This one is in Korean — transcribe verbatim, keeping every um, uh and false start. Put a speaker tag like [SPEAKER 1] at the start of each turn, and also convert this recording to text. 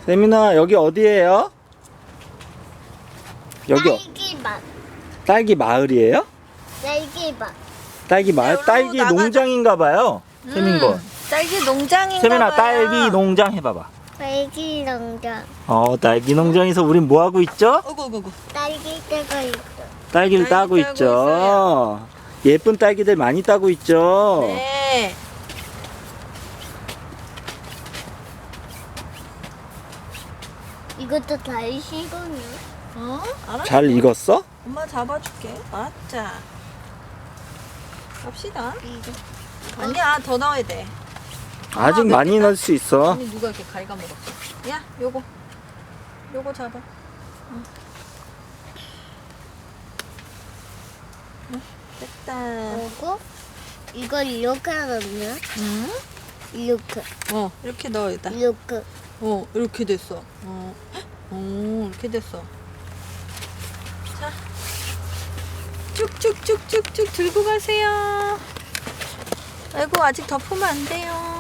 [SPEAKER 1] 세민아, 여기 어디예요? 여기 어-
[SPEAKER 2] 딸기맛.
[SPEAKER 1] 딸기 마을이에요?
[SPEAKER 2] 딸기맛.
[SPEAKER 1] 딸기 마을?
[SPEAKER 3] 네,
[SPEAKER 1] 딸기
[SPEAKER 3] 나가자.
[SPEAKER 1] 농장인가 봐요. 세민 거.
[SPEAKER 3] 딸기 농장인가
[SPEAKER 1] 세민아,
[SPEAKER 3] 봐요.
[SPEAKER 1] 딸기 농장 해봐봐.
[SPEAKER 2] 딸기 농장.
[SPEAKER 1] 어, 딸기 농장에서 우린 뭐 하고 있죠?
[SPEAKER 3] 어구 어구 어구.
[SPEAKER 2] 딸기 떼고 있어.
[SPEAKER 1] 딸기를
[SPEAKER 3] 딸기
[SPEAKER 1] 따고
[SPEAKER 3] 따고
[SPEAKER 1] 있죠.
[SPEAKER 3] 있어요.
[SPEAKER 1] 예쁜 딸기들 많이 따고 있죠.
[SPEAKER 3] 네.
[SPEAKER 2] 이것도 다 익었네.
[SPEAKER 3] 어? 알았어.
[SPEAKER 1] 잘 익었어?
[SPEAKER 3] 엄마 잡아줄게. 알았자. 갑시다.
[SPEAKER 2] 이거.
[SPEAKER 3] 아니야, 더 넣어야 돼.
[SPEAKER 1] 아직
[SPEAKER 3] 아,
[SPEAKER 1] 많이
[SPEAKER 3] 맵겠다.
[SPEAKER 1] 넣을 수 있어.
[SPEAKER 3] 아니 누가 이렇게 갉아먹었어? 야, 요거. 요거 잡아. 응. 응, 됐다.
[SPEAKER 2] 그리고 이걸 이렇게 하면
[SPEAKER 3] 응?
[SPEAKER 2] 이렇게
[SPEAKER 3] 어, 이렇게 넣어야 돼.
[SPEAKER 2] 이렇게.
[SPEAKER 3] 어, 이렇게 됐어. 어, 어, 이렇게 됐어. 자, 쭉쭉쭉쭉쭉 들고 가세요. 아이고, 아직 덮으면 안 돼요.